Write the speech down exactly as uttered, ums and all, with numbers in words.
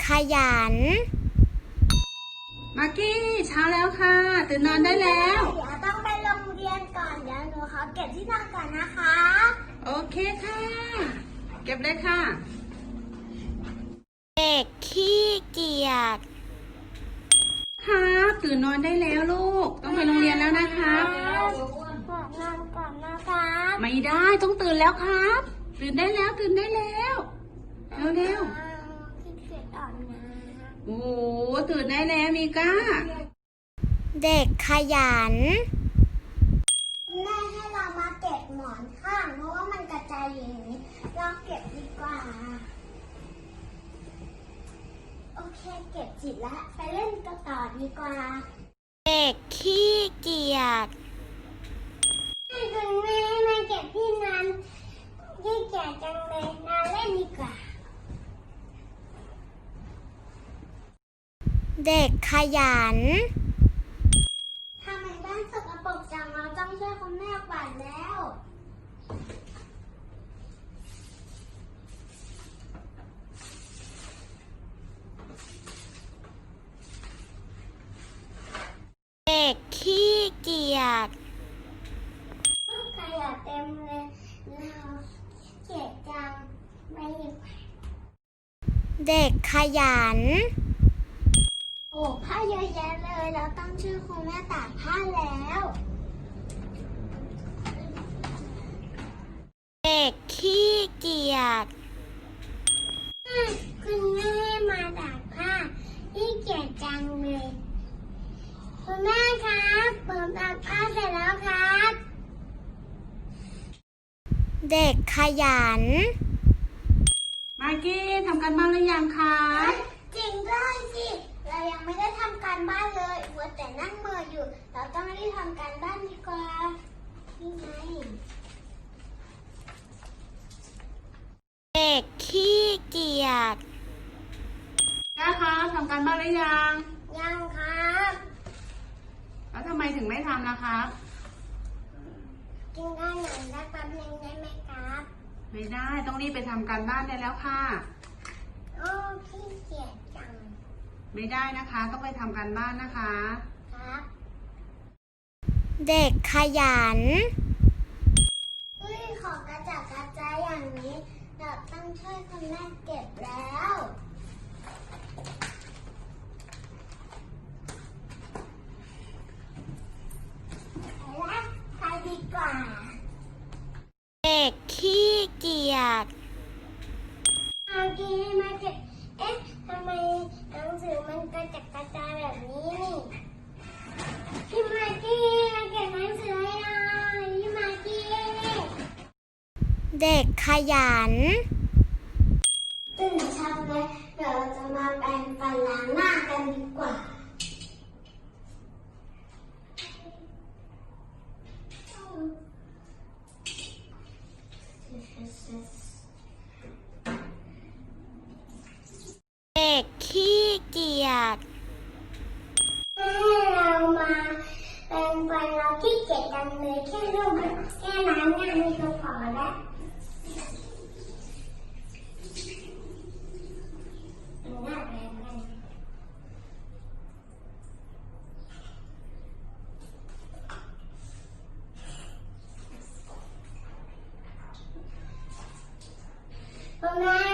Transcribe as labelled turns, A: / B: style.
A: ขยัน
B: มากกี้เช้าแล้วค่ะตื่นนอนได้แล้ว
A: เดี๋ยวต้องไปโรงเรียนก่อนเดี๋ยวหนูขอเก็บที่นอนก่อนนะคะ
B: โอเคค่ะเก็บเลยค่ะ
A: เด็กขี้เกียจ
B: ครับตื่นนอนได้แล้วลูกต้องไปโรงเรียนแล้วนะครับ
A: ขอนอนก่อนนะครับ
B: ไม่ได้ต้องตื่นแล้วครับตื่นได้แล้วตื่นได้แล้วเร็ว
A: ๆขี้เกียจอ่อนนะ
B: โอ้โหตื่นได้แล้วมีก้า
A: เด็กขยันแม่ให้เรามาเก็บหมอนข้างเพราะว่ามันกระจายอย่างนี้เราเก็บดีกว่าโอเคเก็บจิตแล้วไปเล่นกันต่อดีกว่าเด็กขี้เกียจให้คุณแม่มาเก็บที่นั้นขี้เกียจจังเลยมาเล่นดีกว่าเด็กขยันทำไมบ้านสกปรกจังเราต้องช่วยคุณแม่กวาดแล้วเด็กขี้เกียจขยะเต็มเลยเราเกียจจังไม่ดีกว่าเด็กขยันโอ้ผ้าเยอะแยะเลยเราต้องช่วยคุณแม่ตากผ้าแล้วเด็กขี้เกียจคุณแม่มาตากผ้าขี้เกียจจังเลยคุณแม่ครับผมตากผ้าเสร็จแล้วครับเด็กขยัน
B: มากกี้ทำการบ้านหรือยังคะ
A: จริงด้วยสิเรายังไม่ได้ทำการบ้านเลยมัวแต่นั่งเมื่ออยู่เราต้องรีบทำการบ้านดีกว่านี่ไงเด็กขี้เกียจ
B: ก้าคะทำการบ้านหรือยัง
A: ยังครับ
B: แล้วทำไมถึงไม่ทำล่ะครับ
A: กินได้หน่อยได้แป๊บนึงได้ไหมครับ
B: ไม่ได้ต้องรีบไปทำการบ้านได้แล้วค่ะ
A: โอ้ขี้เกียจจัง
B: ไม่ได้นะคะต้องไปทำการบ้านนะคะ
A: ครับเด็กขยันเฮ้ยขอกระจัดกระจายอย่างนี้เราต้องช่วยคุณแม่เก็บแล้วไปละไปดีกว่าเด็กขี้เกียจเอากี้มาเก็บเอ๊ะทำไมหนังสือมันกระจัดกระจายแบบนี้นี่พี่มากี้มาเก็บหนังสือให้หน่อยพี่มากี้เด็กขยันตื่นเช้าเลยเดี๋ยวเราจะมาแปรงฟันล้างหน้ากันดีกว่าเด็กขี้เกียจให้เรามาเป็นวันเราขี้เกียจกันเลยแค่รูปแค่นั้นงานนี้ก็พอแล้วหน้าแปรงกันคุณแม่